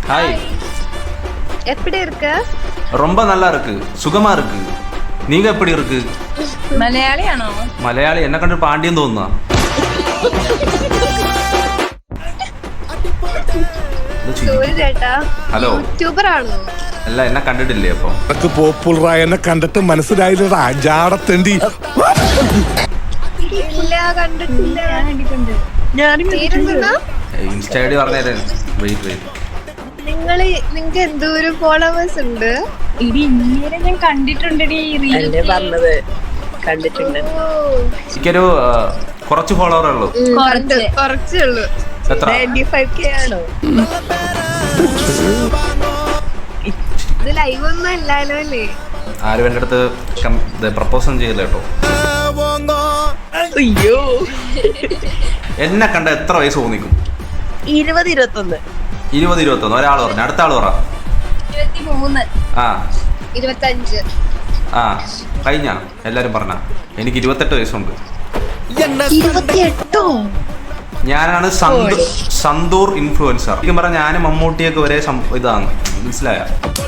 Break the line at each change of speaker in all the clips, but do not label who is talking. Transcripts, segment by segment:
Hi.
எப்படி இருக்க?
ரொம்ப நல்லா இருக்கு, சுகமா இருக்கு. நீங்க எப்படி இருக்கு?
മലയാളിയാണോ?
മലയാളി എന്നെ കണ്ടിട്ട് പാണ്ഡ്യം തോന്നുന്ന.
ചേട്ടാ
ഹലോ,
യൂട്യൂബർ ആണോ?
അല്ല, എന്നെ കണ്ടിട്ടില്ലേ? അപ്പൊ
പോപ്പുലറായ എന്നെ കണ്ടിട്ട് മനസ്സിലായില്ലടാ ജാടത്തേണ്ടി.
ഇല്ല, കണ്ടിട്ടില്ല. പേരെന്താ?
ഇൻസ്റ്റ ഐ ഡി പറഞ്ഞേരെ. വെയിറ്റ്.
നിങ്ങക്ക് എന്തോരം ഫോളോവേഴ്സ് ഉണ്ട്?
ഇടി ഇന്നേരം ഞാൻ കണ്ടിട്ടുണ്ടെടി
പറഞ്ഞത് കണ്ടിട്ടുണ്ട്.
എനിക്കൊരു കുറച്ച് ഫോളോവറേ ഉള്ളൂ.
കുറച്ചേ ഉള്ളൂ.
എത്ര?
95K ആണോ?
ഇത് ലൈവ് ഒന്നും അല്ലല്ലോ അല്ലേ?
ആരും എൻ്റെ അടുത്ത് പ്രപ്പോസൽ ചെയ്തില്ല കേട്ടോ.
അയ്യോ,
എന്നെ കണ്ട എത്ര വയസ്സ് തോന്നിക്കും?
20-21.
20-21. ഒരാൾ പറഞ്ഞു, അടുത്ത ആൾ പറ.
23.
ആ
25.
ആ കഴിഞ്ഞ എല്ലാരും പറഞ്ഞ. എനിക്ക് 28 വയസ്സുണ്ട്.
28ഓ?
ഞാനാണ് സന്തൂർ ഇൻഫ്ലുവൻസർ. ശരിക്കും പറഞ്ഞാൽ ഞാനും മമ്മൂട്ടിയൊക്കെ ഒരേ ഇതാണ്, മനസ്സിലായ?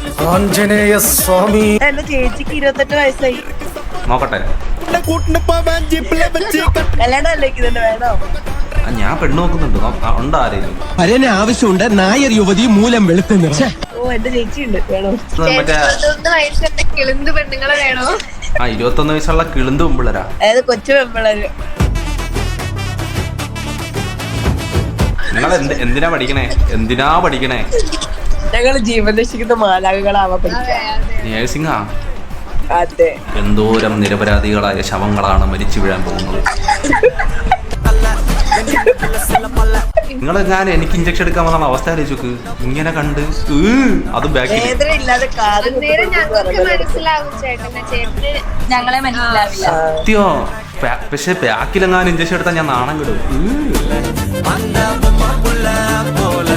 എന്റെ ചേച്ചിക്ക് 28 വയസ്സായി.
നോക്കട്ടെ.
കല്യാണം അല്ലേക്കുന്നുണ്ട്, വേണോ?
ഞാൻ പെണ്ണ് നോക്കുന്നുണ്ട്. ഉണ്ട് ആരെയും?
പരന് ആവശ്യമുണ്ട്. നായർ യുവതി മൂലം വെളുത്തുന്ന.
ഓ, എന്റെ ചേച്ചി ഉണ്ട്, വേണോ?
മറ്റേ
21 വയസ്സുള്ള കിളിന്ത് പെണ്ണുങ്ങളെ വേണോ?
21 വയസ്സുള്ള കിളിന്ത് പെമ്പിള്ളരാ.
അതായത് കൊച്ചു പെമ്പിളര്.
നിങ്ങൾ എന്തിനാ പഠിക്കണേ?
ഞങ്ങള് ജീവൻ രക്ഷിക്കുന്ന മാലാകകളാവാൻ പഠിക്കാം.
നേഴ്സിംഗാ?
അതെ.
എന്തോരം നിരപരാധികളായ ശവങ്ങളാണ് മരിച്ചു വീഴാൻ പോകുന്നത്. എനിക്ക് ഇഞ്ചക്ഷൻ എടുക്കാൻ വന്ന അവസ്ഥ ആലോചിക്ക്. ഇങ്ങനെ കണ്ട് അത് ബാക്കിൽ
വേദന ഇല്ലാതെ
അന്നേരം ഞങ്ങൾക്ക് മനസ്സിലാവും ചേട്ടനെ. ചേട്ടന്
ഞങ്ങളെ മനസ്സിലാവില്ല.
സത്യോ. പക്ഷെ ബാക്കിലെങ്ങാനും ഇഞ്ചക്ഷൻ എടുത്താൽ ഞാൻ നാണം കിടും.